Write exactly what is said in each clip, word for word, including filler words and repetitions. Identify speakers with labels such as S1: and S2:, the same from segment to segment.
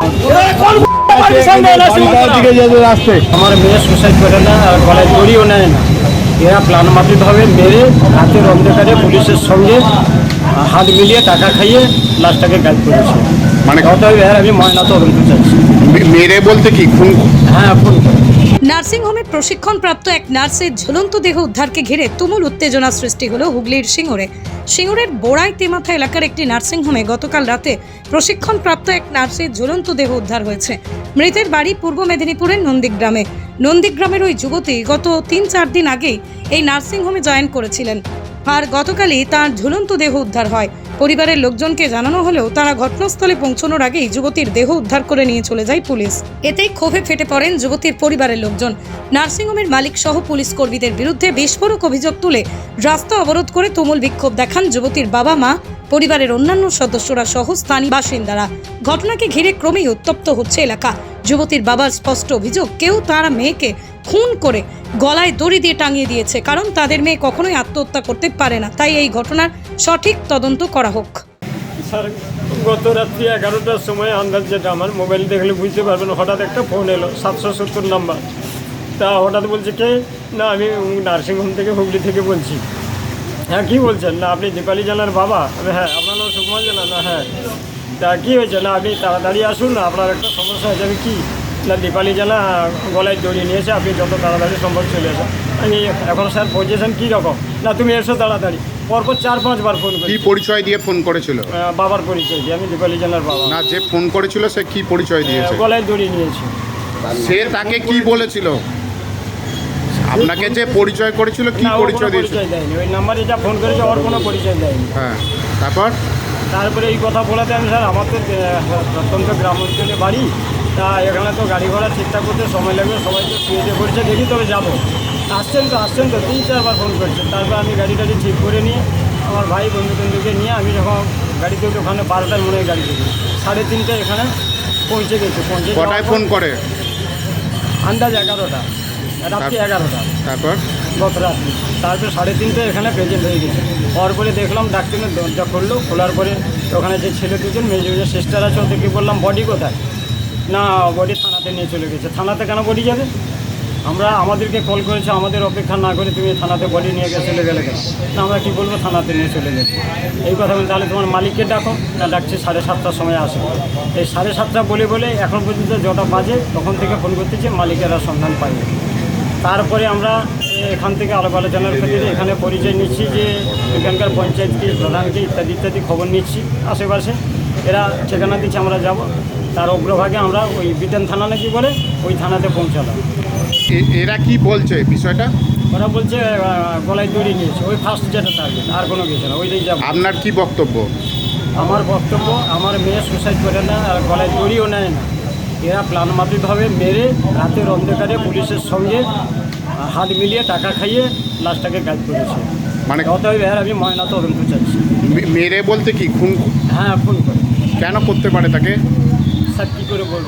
S1: আমার মেয়ে সুসাইড করে না, আর গলায় দড়িও নেয় না। এরা প্ল্যান মাফিকভাবে মেরে রাতের অন্ধকারে পুলিশের সঙ্গে হাত মিলিয়ে টাকা খাইয়ে লাশটাকে গায়েব করেছে।
S2: মানে
S1: অতএব এর আমি ময়না তদন্ত চাইছি।
S2: মেরে বলতে কি খুন?
S1: হ্যাঁ, খুন।
S3: নার্সিংহোমে প্রশিক্ষণপ্রাপ্ত এক নার্সের ঝুলন্ত দেহ উদ্ধারকে ঘিরে তুমুল উত্তেজনা সৃষ্টি হলো হুগলির সিঙ্গুরে। সিঙ্গুরের বোড়াই তেমাথা এলাকার একটি নার্সিংহোমে গতকাল রাতে প্রশিক্ষণপ্রাপ্ত এক নার্সের ঝুলন্ত দেহ উদ্ধার হয়েছে। মৃতের বাড়ি পূর্ব মেদিনীপুরের নন্দীগ্রামে। নন্দীগ্রামের ওই যুবতী গত তিন চার দিন আগেই এই নার্সিংহোমে জয়েন করেছিলেন, আর গতকালই তার ঝুলন্ত দেহ উদ্ধার হয়। পরিবারের লোকজনকে জানানো হলেও তারা ঘটনাস্থলে পৌঁছানোর আগেই যুবতীর দেহ উদ্ধার করে নিয়ে চলে যায় পুলিশ। এতেই ক্ষোভে ফেটে পড়েন যুবতীর পরিবারের লোকজন। নার্সিংহোমের মালিক সহ পুলিশ কর্মীদের বিরুদ্ধে বিস্ফোরক অভিযোগ তুলে রাস্তা অবরোধ করে তুমুল বিক্ষোভ দেখান যুবতীর বাবা মা, পরিবারের অন্যান্য সদস্যরা সহ স্থানীয় বাসিন্দারা। ঘটনাকে ঘিরে ক্রমেই উত্তপ্ত হচ্ছে এলাকা। যুবতীর বাবার স্পষ্ট অভিযোগ, কেউ তার মেয়েকে খুন করে গলায় দড়ি দিয়ে টাঙিয়ে দিয়েছে, কারণ তাদের মেয়ে কখনোই আত্মহত্যা করতে পারে না। তাই এই ঘটনার সঠিক তদন্ত করা হোক।
S1: স্যার, গত রাত্রি এগারোটার সময় আন্দাজ যেটা আমার মোবাইল দেখলে বুঝতে পারবেন, হঠাৎ একটা ফোন এলো সাতশো সত্তর নাম্বার। তা হঠাৎ বলছে কে, না আমি নার্সিংহোম থেকে হুগলি থেকে বলছি। হ্যাঁ, কী বলছেন? না আপনি দীপালি জানার বাবা? হ্যাঁ। আপনার নাম সুকুমার জানা? না। হ্যাঁ। তা কী হয়েছে? না আপনি তাড়াতাড়ি আসুন, না আপনার একটা সমস্যা হয়েছে। আমি কী? না দীপালি জানা গলায় দড়িয়ে নিয়েছে, আপনি যত তাড়াতাড়ি সম্ভব চলে আসুন। আমি এখন স্যার পজিশন কী রকম? না তুমি এসো তাড়াতাড়ি। পরপর চার পাঁচবার ফোন করি।
S2: কি পরিচয় দিয়ে ফোন করেছিল?
S1: বাবার পরিচয় দিয়ে, আমি দীপালি জানার বাবা।
S2: না, যে ফোন করেছিল সে কি পরিচয় দিয়েছে?
S1: গলায় দড়িয়ে নিয়েছে।
S2: সে তাকে কি বলেছিল? আপনাকে যে পরিচয় করেছিল কি পরিচয় দিয়েছে?
S1: পরিচয় দেয়নি, ওই নাম্বারে যা ফোন করেছে ওর কোনো পরিচয় দেয়নি।
S2: হ্যাঁ, তারপর
S1: তারপরে এই কথা বলাতে আমি স্যার, আমার তো প্রত্যন্ত গ্রাম অঞ্চলে বাড়ি, তা এখানে তো গাড়ি ঘোড়া ঠিকঠাক করতে সময় লাগবে, সবাই তো শুয়ে করছে, দেখি তবে যাবো। আসছেন তো আসছেন তো তিন চারবার ফোন করছেন। তারপর আমি গাড়ি টাড়ি ঠিক করে নিয়ে আমার ভাই বন্ধু বন্ধুকে নিয়ে আমি যখন গাড়িতে উঠে ওখানে বারোটার মনে হয় গাড়ি থেকে সাড়ে তিনটায় এখানে পৌঁছে গেছে। পৌঁছে
S2: কটায় ফোন করে?
S1: আন্দাজ এগারোটা, রাত্রি এগারোটা।
S2: তারপর
S1: গত রাত্রি তারপরে সাড়ে তিনটায় এখানে প্রেজেন্ট হয়ে গেছে। হওয়ার পরে দেখলাম ডাক্তারের দরজা খুললো, খোলার পরে ওখানে যে ছেলে দুজন মেজে মেজে সিস্টার আছে, ওদেরকে বললাম বডি কোথায়? না বডি থানাতে নিয়ে চলে গেছে। থানাতে কেন বডি যাবে? আমরা আমাদেরকে কল করেছে, আমাদের অপেক্ষা না করে তুমি থানাতে বডি নিয়ে গিয়ে চলে গেলে কেন? না আমরা কী বলবো, থানাতে নিয়ে চলে গেছে। এই কথা বলে তাহলে তোমার মালিককে ডাকো। না ডাকছি সাড়ে সাতটার সময় আসে। এই সাড়ে সাতটা বলে বলে এখন পর্যন্ত যটা বাজে তখন থেকে ফোন করতেছে, মালিকেরা সন্ধান পাইনি। তারপরে আমরা এখান থেকে আলাপ আলোচনার ক্ষেত্রে এখানে পরিচয় নিচ্ছি যে এখানকার পঞ্চায়েতকে, প্রধানকে ইত্যাদি ইত্যাদি খবর নিচ্ছি আশেপাশে। এরা ঠিকানা দিচ্ছে, আমরা যাব। তার অগ্রভাগে আমরা ওই বিধান থানা নাকি বলে ওই থানাতে পৌঁছালাম।
S2: এরা কি বলছে বিষয়টা?
S1: ওরা বলছে গলায় দড়ি নিয়েছে, ওই ফার্স্ট যেটা টার্গেট, আর কোনো কিছু না, ওইটাই যাবো।
S2: আপনার কি বক্তব্য?
S1: আমার বক্তব্য, আমার মেয়ে সুসাইড করে না, আর গলায় দড়িও নেয় না। এরা প্ল্যান মাফিকভাবে মেরে রাতের অন্ধকারে পুলিশের সঙ্গে হাত মিলিয়ে টাকা খাইয়ে লাশটাকে গায়েব করেছে।
S2: মানে
S1: অতএব এর আমি ময়না তদন্ত চাইছি।
S2: মেরে বলতে কি খুন?
S1: হ্যাঁ, খুন করে।
S2: কেন করতে পারে তাকে?
S1: স্যার কী করে বলবো,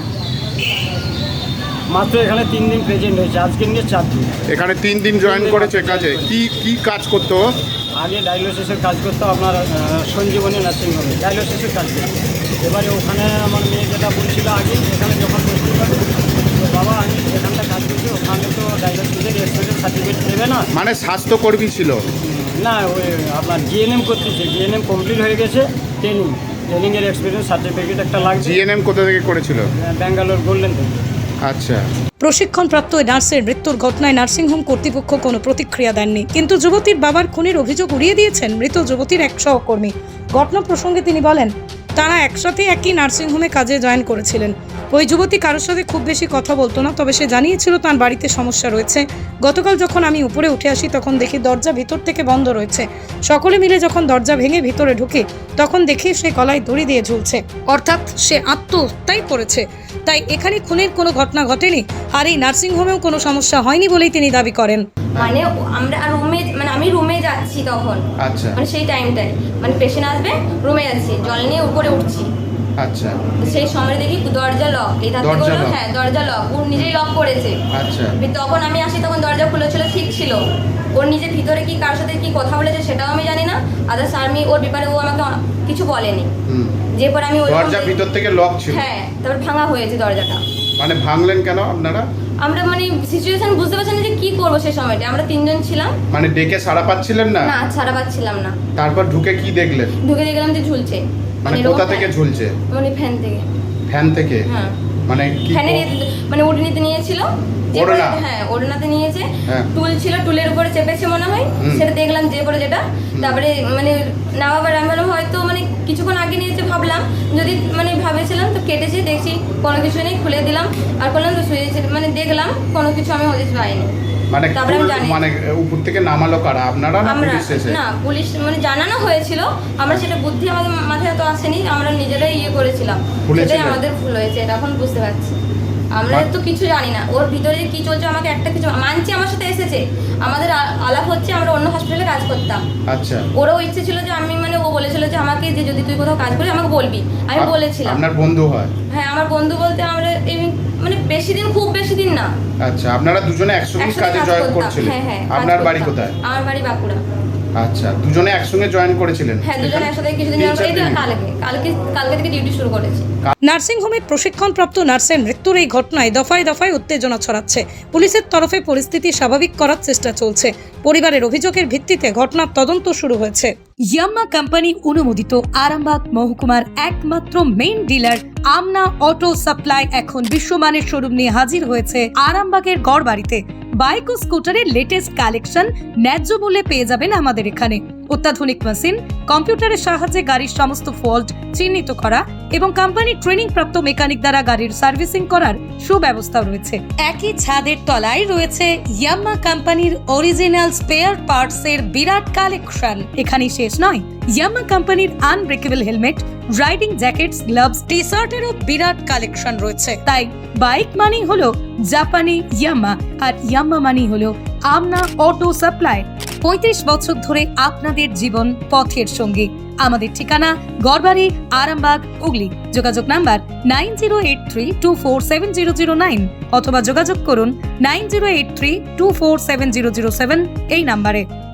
S1: মাত্র এখানে তিন দিন প্রেজেন্ট হয়েছে, আজকে নিয়ে চার দিন।
S2: এখানে তিন দিন জয়েন করেছে কাজে। কি কি কাজ করতো?
S1: আগে ডায়ালিসিসের কাজ করতো আপনার সঞ্জীবনী নার্সিংহোমে, ডায়ালিসিসের কাজ করতো। এবারে ওখানে আমার মেয়ে যেটা বলছিল আগে, এখানে যখন করতে পারবে তো বাবা আমি এখানটা কাজ করছি, ওখানে তো ডায়ালিসিসের এক্সপিরিয়েন্স সার্টিফিকেট দেবে না।
S2: মানে স্বাস্থ্যকর্মী ছিল
S1: না, ওই আপনার জিএনএম করতেছে, জিএনএম কমপ্লিট হয়ে গেছে, ট্রেনিং ট্রেনিংয়ের এক্সপিরিয়েন্স সার্টিফিকেট একটা লাগছে।
S2: জিএনএম কোথা থেকে করেছিল?
S1: ব্যাঙ্গালোর গোল্ডেন থেকে।
S2: আচ্ছা।
S3: প্রশিক্ষণপ্রাপ্ত ওই নার্সের মৃত্যুর ঘটনায় নার্সিংহোম কর্তৃপক্ষ কোনো প্রতিক্রিয়া দেননি, কিন্তু যুবতীর বাবার খুনের অভিযোগ উড়িয়ে দিয়েছেন মৃত যুবতীর এক সহকর্মী। ঘটনা প্রসঙ্গে তিনি বলেন, তারা একসাথে একই নার্সিংহোমে কাজে জয়েন করেছিলেন। ওই যুবতী কারোর সাথে খুব বেশি কথা বলতো না, তবে সে জানিয়েছিল তার বাড়িতে সমস্যা রয়েছে। গতকাল যখন আমি উপরে উঠে আসি তখন দেখি দরজা ভিতর থেকে বন্ধ রয়েছে। সকলে মিলে যখন দরজা ভেঙে ভিতরে ঢুকি তখন দেখি সে গলায় দড়ি দিয়ে ঝুলছে, অর্থাৎ সে আত্মহত্যাই করেছে। তাই এখানে খুনের কোনো ঘটনা ঘটেনি, আর এই নার্সিংহোমেও কোনো সমস্যা হয়নি বলেই তিনি দাবি করেন।
S4: মানে আমরা রুমে, মানে আমি রুমে যাচ্ছি তখন,
S2: আচ্ছা,
S4: মানে সেই টাইমটাই মানে পেশেন্ট আসবে, রুমে যাচ্ছি, জল নিয়ে উপরে উঠছি।
S2: আচ্ছা,
S4: সেই সময় দেখি দরজা লক। এই তাতে বললো হ্যাঁ দরজা লক, ও নিজেই লক করেছে।
S2: আচ্ছা।
S4: তখন আমি আসি তখন দরজা খুলেছিল, ঠিক ছিল। ওর নিজের ভিতরে কি কার সাথে কি কথা বলেছে সেটাও আমি জানি না, আদার্স আমি ওর ব্যাপারে ও আমাকে কিছু বলেনি।
S2: হুম।
S4: যে পর আমি ওর
S2: দরজা ভিতর থেকে লক ছিল?
S4: হ্যাঁ, তারপর ভাঙা হয়েছে দরজাটা।
S2: মানে ভাঙলেন কেন আপনারা?
S4: আমরা মানে সিচুয়েশন বুঝতে পারছি না যে কি করবো সেই সময়টা, আমরা তিনজন ছিলাম।
S2: মানে ডেকে সাড়া পাচ্ছিলেন না?
S4: না, ছাড়া পাচ্ছিলাম না।
S2: তারপর ঢুকে কি দেখলেন?
S4: ঢুকে দেখলাম যে ঝুলছে।
S2: মানে
S4: এরকম
S2: কোথা থেকে
S4: ফ্যান-
S2: ঝুলছে?
S4: মানে ফ্যান থেকে।
S2: ফ্যান থেকে?
S4: হ্যাঁ।
S2: মানে কি
S4: ফ্যানের মানে ওড়নাতে নিয়েছিল, যে পরে
S2: ওড়না?
S4: হ্যাঁ ওড়নাতে নিয়েছে,
S2: হ্যাঁ।
S4: টুল ছিল, টুলের উপরে চেপেছে মনে হয়,
S2: হুম।
S4: সেটা দেখলাম যে পরে যেটা। তারপরে মানে নামাবার আমি ভাবলাম হয়তো মানে কিছুক্ষণ আগে নিয়েছে, ভাবলাম যদি মানে ভাবেছিলাম তো কেটেছে, দেখছি কোনো কিছু নেই, খুলে দিলাম আর করলাম তো শুয়েছে, মানে দেখলাম কোনো কিছু আমি হদিস পাইনি।
S2: মানে
S4: তারপরে আমি
S2: টুল-
S4: জানি
S2: মানে উপর থেকে নামালো কারা, আপনারা না
S4: আমরা
S2: পুলিশ এসে?
S4: না, পুলিশ মানে জানানো হয়েছিল, আমরা সেটা বুদ্ধি আমাদের মাথায় তো আসেনি, আমরা নিজেরাই ইয়ে করেছিলাম,
S2: ভুলেছিলেন?
S4: সেটাই আমাদের ভুল হয়েছে, এটা এখন বুঝতে পারছি। আমরা
S2: মা-
S4: তো কিছু জানি না ওর ভিতরে যে কি চলছে, আমাকে একটা কিছু মানছি, আমার সাথে এসেছে, আমাদের আ- আলাপ হচ্ছে, আমরা অন্য হসপিটালে কাজ করতাম।
S2: আচ্ছা।
S4: ওরও ইচ্ছে ছিল যে আমি মানে ও বলেছিল যে আমাকে যে যদি তুই কোথাও কাজ করিস আমাকে বলবি, আমি
S2: আপ-
S4: বলেছিলাম।
S2: আপনার বন্ধু হয়?
S4: হ্যাঁ, আমার বন্ধু বলতে আমরা এই মানে বেশি দিন, খুব বেশি দিন না,
S2: আচ্ছা, আপনারা দুজনে একসঙ্গে
S4: একসাথে
S2: কাজে
S4: কাজ
S2: জয়েন
S4: করতাম।
S2: করছিলেন?
S4: হ্যাঁ হ্যাঁ, কাজ
S2: আপনার বাড়ি
S4: করতাম।
S2: কোথায়?
S4: আমার বাড়ি বাঁকুড়া।
S2: আচ্ছা, দুজনে একসঙ্গে জয়েন করেছিলেন?
S4: হ্যাঁ, দুজন একসাথে কিছুদিন
S2: তিন
S4: যাওয়ার
S2: চার
S4: পর- এই তো
S2: দিন?
S4: কালকে কালকে কালকে থেকে ডিউটি শুরু করেছি।
S3: নার্সিংহোমে প্রশিক্ষণপ্রাপ্ত নার্সের মৃত্যুর এই ঘটনায় দফায় দফায় উত্তেজনা ছড়াচ্ছে। পুলিশের তরফে পরিস্থিতি স্বাভাবিক করার চেষ্টা চলছে। পরিবারের অভিযোগের ভিত্তিতে ঘটনার তদন্ত শুরু হয়েছে। ইয়াম্মা কোম্পানি অনুমোদিত আরামবাগ মহকুমার একমাত্র main dealer Amna auto supply এখন বিশ্বমানের শোরুম নিয়ে হাজির হয়েছে আরামবাগের গড়বাড়িতে। বাইক ও স্কুটারের লেটেস্ট কালেকশন ন্যায্য মূল্যে পেয়ে যাবেন আমাদের এখানে। অত্যাধুনিক মেশিন, কম্পিউটারের সাহায্যে গাড়ির সমস্ত ফল্ট চিহ্নিত করা এবং কোম্পানির ট্রেনিং প্রাপ্ত মেকানিক দ্বারা গাড়ির সার্ভিসিং করার সুব্যবস্থা রয়েছে। একই ছাদের তলায় রয়েছে ইয়াম্মা কোম্পানির অরিজিনাল স্পেয়ার পার্টস এর বিরাট কালেকশন। এখানেই শেষ নয়, ইয়াম্মা কোম্পানির unbreakable helmet, riding jackets, gloves, T শার্টেরও বিরাট কালেকশন রয়েছে। তাই বাইক মানি হলো জাপানি ইয়াম্মা, আর ইয়াম্মা মানি হলো আমনা অটো সাপ্লাই। পঁয়ত্রিশ বছর ধরে আপনাদের জীবন পথের সঙ্গী। আমাদের ঠিকানা গড়বাড়ি, আরামবাগ, হুগলি। যোগাযোগ number nine zero eight three two four seven zero zero nine অথবা যোগাযোগ করুন nine zero eight three two four seven zero zero seven এই নাম্বারে।